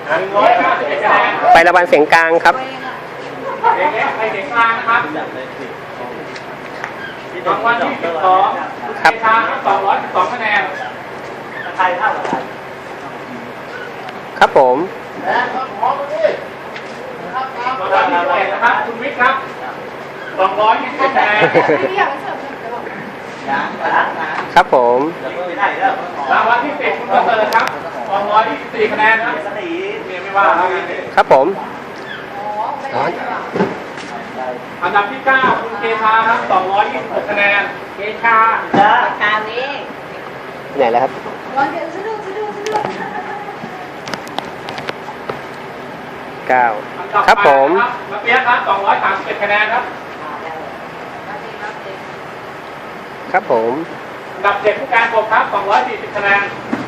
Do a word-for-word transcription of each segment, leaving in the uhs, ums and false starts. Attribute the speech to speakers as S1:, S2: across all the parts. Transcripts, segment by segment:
S1: หนึ่งร้อยเก้าสิบเอ็ดคะแนน
S2: ไประบายเสียงกลางครับ
S1: เสียงเล็กไปเสียงกลางนะครับรางวัลที่สิบสองเอชาครับสองร้อยสิบสองคะแนนไทยเท่าไหร่
S2: ครับผม
S1: รางวัลที่สิบเอ็ดนะครับคุณวิทย์ครับสองร้อยยี่สิบคะแนน
S2: ครับผม
S1: รางวัลที่สิบคุณประเสริฐครับสองร้อยยี่สิบสี่คะแนนครับเรียนไม่ว่าแล้วไง
S2: ครับผมร้อน
S1: อันดับที่เก้าคุณเกชาครับสองร้อยยี่สิบหกคะแนนเกชา
S3: คราวนี้
S2: ไหนแล้วครับ
S3: วันเดียวสะดุดสะดุดสะดุด
S2: เก้า
S1: อันดับ
S2: ครับผม
S1: แปดมาเปียกครับสองร้อยสามสิบเอ็ดคะแนนครับ
S2: ครับผม
S1: อันดับเจ็ดผู้การกบครับสองร้อยสี่สิบคะแนน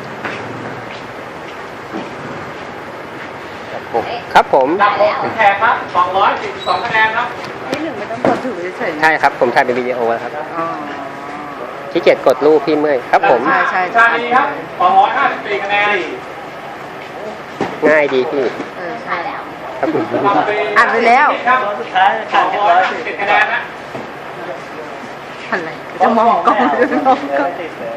S2: ครับผม
S1: อันดับหกคุณแขกครับสองร้อยสี่สิบสองคะแนนครับ
S3: นี่หนึ่งไม่ต้องกดถือเฉยๆ
S2: ใช่ครับผมถ่ายเป็นวิดีโอแล้วครับ
S3: อ๋อ
S2: ขี้เกียจกดรูปพี่เมื่อยครับผม
S3: ใช่ใช่
S1: ชาลีครับสองร้อยห้าสิบสี่คะแนน
S2: ง่ายดีพี่
S3: เออใช่แล้ว
S2: ครับผม
S3: อ่านไปแล้ว
S1: ครับสุดท้ายสองร้อยสิบคะแนนนะ
S3: อะไรจะมองกล้องจะมองกล้อง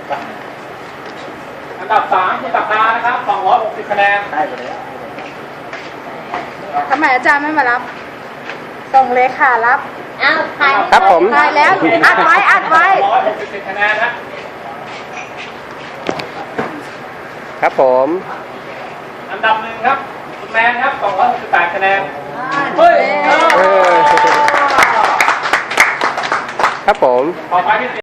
S1: อันดับสามคุณตักดานะครับสองร้อยหกสิบคะแนน
S3: ทำไมอาจารย์ไม่มารับ ส่งเลขารับ
S4: อ้าวถ่าย
S2: ครับผม
S3: ถ่ายแล้ว อัดไว้ อัดไว้
S1: สองร้อยหกสิบเจ็ดคะแนนนะ
S2: ครับผม
S1: อันดับหนึ่งครับคุณแมนครับสองร้อยหกสิบแปดคะแนน
S3: เฮ้ย
S2: เออครับผม
S1: ต่อไปที่